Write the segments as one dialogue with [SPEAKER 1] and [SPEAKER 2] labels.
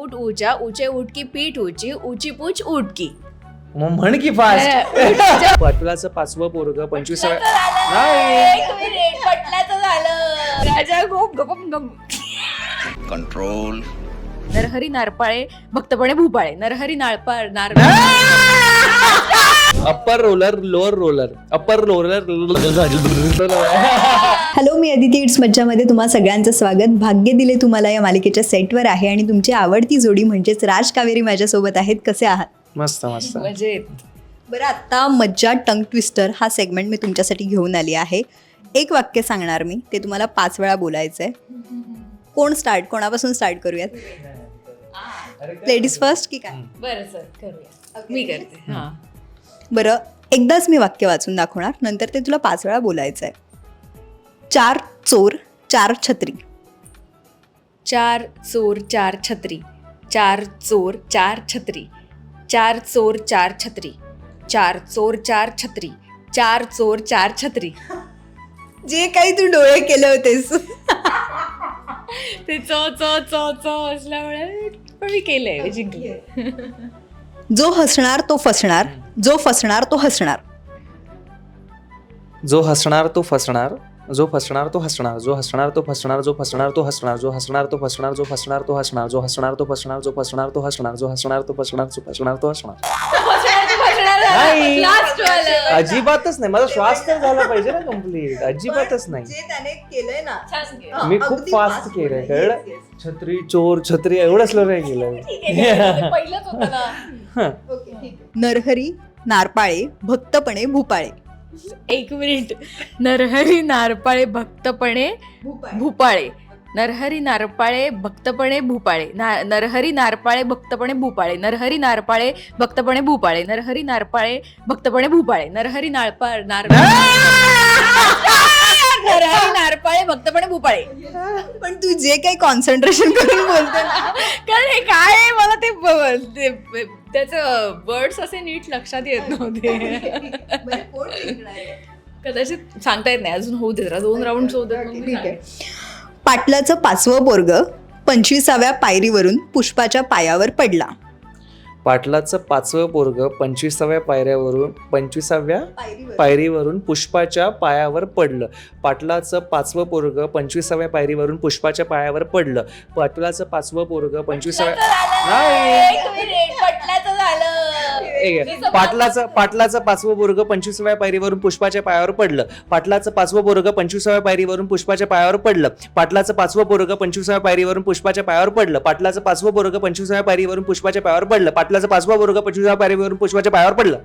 [SPEAKER 1] ऊट ऊचा, ऊचे ऊट की पीठ ऊची, ऊची पूछ ऊट की.
[SPEAKER 2] मग म्हण की फास्ट. पाटलाचं 5वं पोरग 25व्या नाही.
[SPEAKER 1] एक मिनिट, पटलाचं झालं. राजा गोप गपम गम.
[SPEAKER 3] कंट्रोल.
[SPEAKER 1] नरहरी नारपाळे भक्तपणे भूपाळे. नरहरी नार
[SPEAKER 2] upper roller lower roller upper roller.
[SPEAKER 4] Hello, मी अदिती इट्स मज्जामध्ये तुम्हा सगळ्यांचं स्वागत. भाग्य दिले तुम्हाला या मालिकेच्या सेटवर आहे आणि तुमची आवडती जोडी म्हणजेच राज कावेरी माझ्यासोबत आहेत. कसे आहात?
[SPEAKER 2] मस्त मस्त.
[SPEAKER 1] म्हणजे
[SPEAKER 4] बरं, आत्ता मज्जा टंग ट्विस्टर हा सेगमेंट मी तुमच्यासाठी घेऊन आली आहे. एक वाक्य सांगणार मी, ते तुम्हाला 5 वेळा बोलायचं आहे. कोणापासून स्टार्ट करूयात? लेडीज फर्स्ट की काय?
[SPEAKER 1] बरं सर, करूया. मी करते. हा,
[SPEAKER 4] बरं, एकदाच मी वाक्य वाचून दाखवणार, नंतर ते तुला 5 वेळा बोलायचं आहे. 4 चोर 4 छत्री.
[SPEAKER 1] 4 चोर 4 छत्री. 4 चोर 4 छत्री. 4 चोर 4 छत्री. 4 चोर 4 छत्री. 4 चोर 4 छत्री.
[SPEAKER 4] जे काही तू डोळे केले होतेस.
[SPEAKER 1] ते चो असल्यामुळे पण मी केलंय, मी जिंकले.
[SPEAKER 4] जो हसणार तो फसणार, जो फसणार तो हसणार.
[SPEAKER 2] जो हसणार तो फसणार, जो फसणार तो हसणार, जो हसणार तो फसणार, जो फसणार तो हसणार, जो हसणार तो फसणार, जो फसणार तो हसणार, जो हसणार तो फसणार, जो फसणार तो हसणार, जो हसणार तो फसणार, जो फसणार तो हसणार. नाही.
[SPEAKER 1] Last वालं.
[SPEAKER 2] अजिबातच नाही. माझा श्वास तर झाला पाहिजे ना कम्प्लीट. अजिबातच नाही.
[SPEAKER 4] जे त्याने केलंय ना,
[SPEAKER 1] छान केलं.
[SPEAKER 2] मी खूप
[SPEAKER 4] अगदी
[SPEAKER 2] फास्ट
[SPEAKER 4] fast
[SPEAKER 2] केलंय,
[SPEAKER 4] बोलला.
[SPEAKER 2] कळलं? छत्री चोर छत्री एवढं स्लो नाही केलं.
[SPEAKER 1] ठीक आहे, ते पहिलंच होतं ना.
[SPEAKER 4] नरहरी नारपाळे भक्तपणे भूपाळे.
[SPEAKER 1] एक मिनिट. नरहरी नारपाळे भक्तपणे भूपाळे. नरहरी नारपाळे भक्तपणे भूपाळे. नरहरी नारपाळे भक्तपणे भूपाळे. नरहरी नारपाळे भक्तपणे भूपाळे. नरहरी नारपाळे भक्तपणे भूपाळे. नरहरी नरहरी नारपाळे भक्तपणे भूपाळे.
[SPEAKER 4] पण तू जे काही कॉन्सन्ट्रेशन करून बोलते ना,
[SPEAKER 1] कारण हे काय आहे, मला ते त्याचं वर्ड्स असे नीट लक्षात येत नव्हते. कदाचित सांगता येत नाही. अजून होऊ दे जरा, 2 राऊंड होऊ दे.
[SPEAKER 4] ठीक आहे. पाटलाचं 5वं पोरग 25व्या पायरीवरून पुष्पाच्या पायावर पडला.
[SPEAKER 2] पाटलाचं 5वं पोरग 25व्या पायरीवरून पुष्पाच्या पायावर पडलं. पाटलाचं 5वं पोरग 25व्या पायरीवरून पुष्पाच्या पायावर पडलं. पाटलाचं 5वं पोरग 25व्या पाटलाचं 5वं पोरग 25व्या पायरीवरून पुष्पाच्या पायावर पडलं. पाटलाचं 5वं पोरग 25व्या पायरीवरून पुष्पाच्या पायावर पडलं. पाटलाचं 5वं पोरग 25व्या पायरीवरून पुष्पाच्या पायावर पडलं. पाटलाचं 5वं पोरग 25व्या पायरीवरून पुष्पाच्या पायावर पडलं. पाटलाचं 5वं पोरग 25व्या पायरीवरून पुष्पाच्या पायावर पडलं.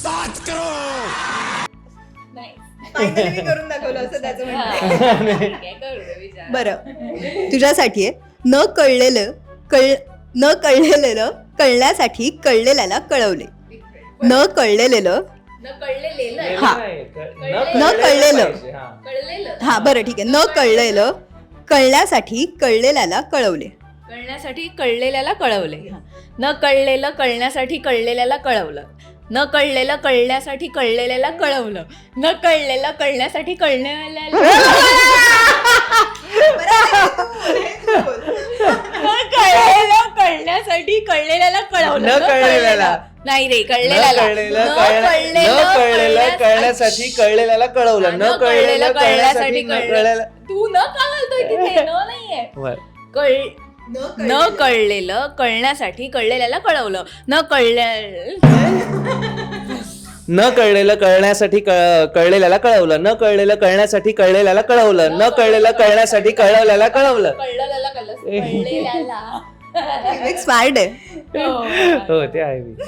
[SPEAKER 4] करून दाखवलं असं त्याचं म्हणणं आहे. बरं, तुझ्यासाठी आहे. न कळलेलं कळण्यासाठी कळलेल्याला कळवले. न कळलेलं हा, बरं ठीक आहे. न कळलेलं कळण्यासाठी कळलेल्याला कळवले.
[SPEAKER 1] कळण्यासाठी कळलेल्याला कळवले. न कळलेलं कळण्यासाठी कळलेल्याला कळवलं. न कळलेलं कळण्यासाठी कळलेल्याला कळवलं. न कळलेलं कळण्यासाठी कळलेल्याला कळण्यासाठी कळलेल्याला कळवलं.
[SPEAKER 2] न कळलेल्याला
[SPEAKER 1] नाही रे, कळलेल्याला.
[SPEAKER 2] कळण्यासाठी कळलेल्याला कळवलं. न कळलेलं कळण्यासाठी कळलेलं.
[SPEAKER 1] तू न का घालतोय तिथे? न नाहीये. न कळलेलं कळण्यासाठी कळलेल्याला कळवलं.
[SPEAKER 2] न कळलेलं कळण्यासाठी कळलेल्याला कळवलं. न कळलेलं कळण्यासाठी कळलेल्याला कळवलं. न कळलेलं कळण्यासाठी कळवल्याला कळवलं.
[SPEAKER 4] स्मार्ट आहे.
[SPEAKER 2] हो, ते आहे मी.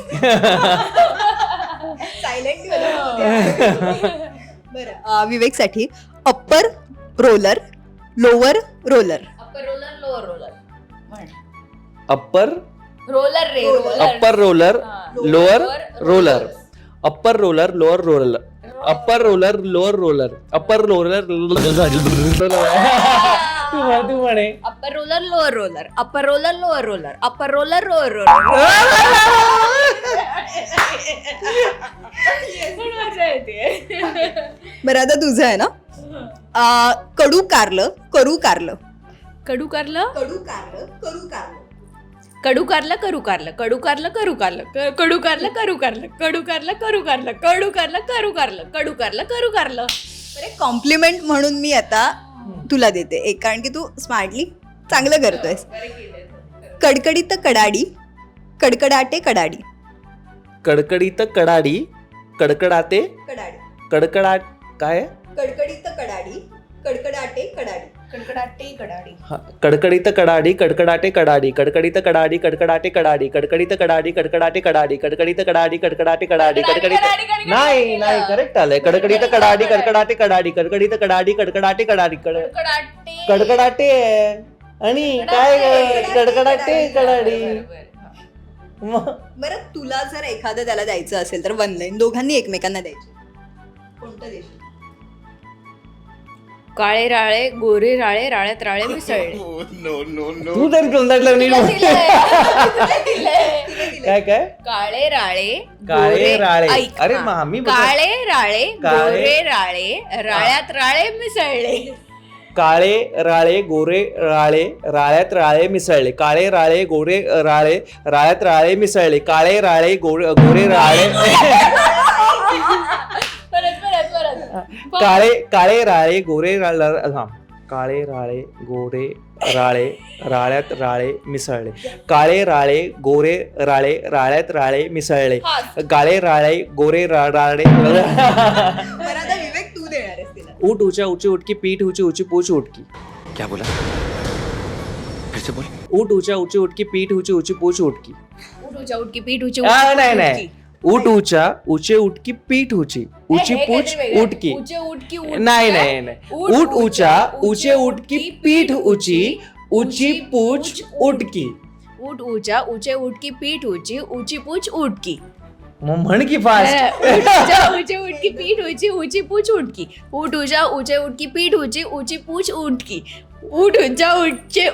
[SPEAKER 4] बरं, विवेकसाठी upper roller lower roller.
[SPEAKER 2] Upper
[SPEAKER 1] roller रे,
[SPEAKER 2] upper roller lower roller. Upper roller lower roller. Upper roller lower roller. Upper roller तू म्हणे.
[SPEAKER 1] Upper roller lower roller. Upper roller lower roller. Upper roller lower roller.
[SPEAKER 4] बरं, आता तुझं आहे ना. कडू कारलं करू कारलं.
[SPEAKER 1] कडू कारलं
[SPEAKER 4] कडू कारलं करू कारलं.
[SPEAKER 1] कडू कारलं करू कारलं कडू कारलं करू कारलं कडू कारलं करू कारलं कडू कारलं करू कारलं कडू कारलं करू कारलं कडू कारलं करू कारलं.
[SPEAKER 4] बरं कॉम्प्लिमेंट म्हणून मी आता तुला देते एक, कारण की तू स्मार्टली चांगलं करतोयस. कडकडीत कडाडी कडकडाटे कडाडी.
[SPEAKER 2] कडकडीत कडाडी कडकडाते
[SPEAKER 4] कडाडी.
[SPEAKER 2] कडकडाट काय आहे?
[SPEAKER 4] कडकडीत कडाडी कडकडाटे कडाडी.
[SPEAKER 1] कडकडाटे कडाडी.
[SPEAKER 2] हा, कडकडीत कडाडी कडकडाटे कडाडी कडकडीत कडाडी कडकडाटे कडाडी कडकडीत कडाडी कडकडाटे कडाडी कडकडीत कडाडी कडकडाटे कडाडी कडकडीत नाही नाही करेक्ट आलंय. कडकडीत कडाडी कडकडाटे कडाडी कडकडीत कडाडी कडकडाटे कडाडी
[SPEAKER 1] कडकडाटे
[SPEAKER 2] कडकडाटे आहे. आणि काय कडकडाटे कडाडी. मग
[SPEAKER 4] बरं तुला जर एखादं त्याला द्यायचं असेल तर वन लाईन दोघांनी एकमेकांना द्यायची, कोणतं देशील?
[SPEAKER 1] काळे राळे गोरे राळे राळ्यात राळे मिसळले.
[SPEAKER 2] तू तरी तोंडातलं नीट बोल. काय काय
[SPEAKER 1] काळे राळे
[SPEAKER 2] काळे
[SPEAKER 1] गोरे-
[SPEAKER 2] राळे.
[SPEAKER 1] ऐक,
[SPEAKER 2] अरे
[SPEAKER 1] हा.
[SPEAKER 2] मग आम्ही बघा.
[SPEAKER 1] काळे राळे
[SPEAKER 2] काळे-
[SPEAKER 1] गोरे राळे राळ्यात राळे मिसळले.
[SPEAKER 2] काळे राळे गोरे राळे राळ्यात राळे मिसळले. काळे राळे गोरे राळे राळ्यात राळे मिसळले. काळे राळे गोरे राळे
[SPEAKER 1] परत परत परत
[SPEAKER 2] काळे राळे गोरे हा काळे राळे गोरे राळे राळ्यात राळे मिसळले. काळे राळे गोरे राळे राळ्यात राळे मिसळले. काळे राळे गोरे राळे
[SPEAKER 4] बरं आता विवेक तू देणार आहेस तिला.
[SPEAKER 2] ऊट ऊंचा ऊंची उटकी पीठ ऊंची ऊंची पूछ उटकी.
[SPEAKER 3] क्या बोला फिर से बोल.
[SPEAKER 2] ऊट ऊंचा ऊंची उटकी पीठ ऊंची ऊंची पूछ उटकी.
[SPEAKER 1] उठूच्या उठकी पीठ उची
[SPEAKER 2] नाही नाही ऊट ऊंचा ऊंचे उटकी पीठ ऊंची ऊंची पूछ उटकी.
[SPEAKER 1] उचे उठकी
[SPEAKER 2] नाही नाही नाही ऊट ऊंचा ऊंचे उटकी पीठ ऊंची ऊंची पूछ उटकी.
[SPEAKER 1] ऊट ऊंचा ऊंचे उठकी पीठ ऊंची ऊंची पूछ उठकी.
[SPEAKER 2] मग म्हण की फास्ट.
[SPEAKER 1] ऊंचे उठकी पीठ ऊंची ऊंची पूछ उठकी. ऊट ऊंचा ऊंचे उठकी पीठ ऊंची ऊंची पूछ उठकी. ऊट ऊंचा ऊंचे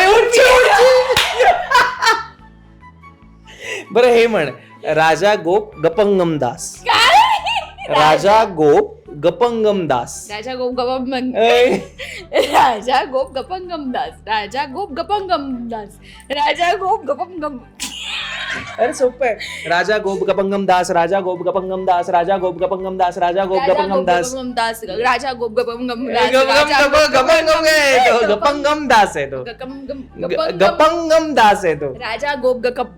[SPEAKER 2] बरं हे म्हण. राजा गोप गपंगम दास. राजा गोप गपंगम दास.
[SPEAKER 1] राजा गोप गपंगम
[SPEAKER 2] ऐ,
[SPEAKER 1] राजा गोप गपंगम दास. राजा गोप गपंगम दास. राजा गोप गपंगम.
[SPEAKER 2] अरे सोपं आहे. राजा गोप गपंगम दास राजा गोप गपंगम दास राजा गोप गपंगम दास राजा गोप गपंगम दास.
[SPEAKER 1] राजा गोप गपंगम दास.
[SPEAKER 2] गपंगम आहे तो. गपंगम दास आहे तो. गपंगम दास आहे तो.
[SPEAKER 1] राजा गोप गप.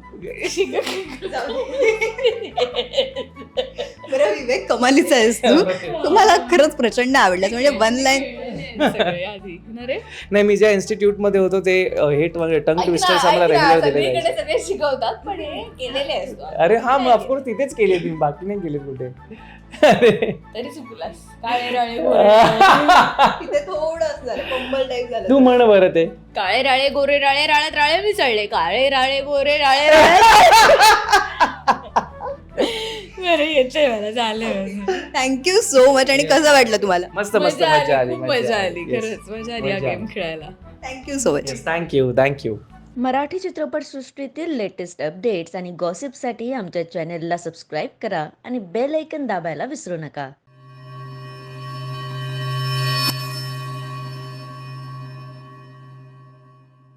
[SPEAKER 4] बरं विवेक कमालीचा आहेस तू. तुम्हाला खरंच प्रचंड आवडलं म्हणजे वन लाईन.
[SPEAKER 2] नाही मी ज्या इन्स्टिट्यूट मध्ये होतो ते हे टंग ट्विस्टर्स आम्हाला रेग्युलर दिले जायचे.
[SPEAKER 1] सगळे शिकवतात पण हे केलेले आहेस तू.
[SPEAKER 2] अरे हा मग ऑफकोर्स तिथेच केले तुम्ही बाकी नाही केले कुठे.
[SPEAKER 1] तरी चुकलास. काळे राळे
[SPEAKER 4] तिथे थोडं असं झालं कंबल टाईप झालं.
[SPEAKER 2] तू म्हण बरं ते.
[SPEAKER 1] काळे राळे गोरे राळे राळ्यात राळे मिसळले. काळे राळे गोरे राळे राळे. बरं येते मला झालं.
[SPEAKER 4] Thank you so much. आणि कसं वाटलं तुम्हाला?
[SPEAKER 2] मस्त मस्त मजा आली.
[SPEAKER 1] खूप मजा आली खरंच. मजा आली हा गेम खेळायला.
[SPEAKER 4] Thank you so much.
[SPEAKER 2] Thank you thank you.
[SPEAKER 5] Marathi चित्रपटसृष्टीतील लेटेस्ट अपडेट्स आणि गॉसिपसाठी आमच्या चॅनेलला सबस्क्राईब करा आणि बेल ऐकन दाबायला विसरू नका.